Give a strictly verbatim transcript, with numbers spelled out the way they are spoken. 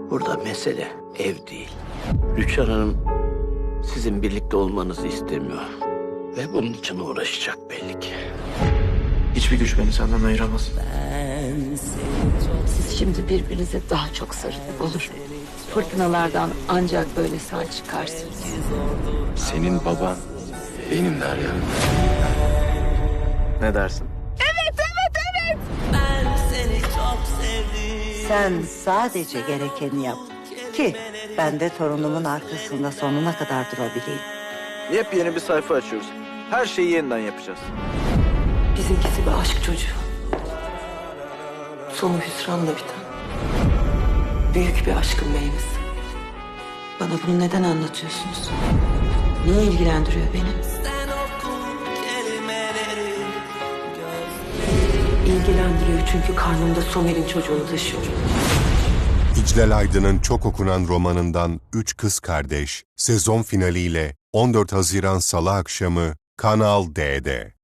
Burada mesele ev değil. Rüçhan Hanım sizin birlikte olmanızı istemiyor. Ve bunun için uğraşacak belli ki. Hiçbir güç beni senden ayıramaz. Siz şimdi birbirinize daha çok sarılın, olur. Fırtınalardan ancak böyle sağ çıkarsınız. Senin baban benim Derya. Ne dersin? Sen sadece gerekeni yap ki ben de torunumun arkasında sonuna kadar durabileyim. Yepyeni bir sayfa açıyoruz. Her şeyi yeniden yapacağız. Bizimkisi bir aşk çocuğu. Sonu hüsranla biten. Büyük bir aşkın meyvesi. Bana bunu neden anlatıyorsunuz? Niye ilgilendiriyor beni? İlgilendiriyor çünkü karnımda Somer'in çocuğunu taşıyorum. İclal Aydın'ın çok okunan romanından Üç Kız Kardeş sezon finaliyle on dört Haziran Salı akşamı Kanal D'de.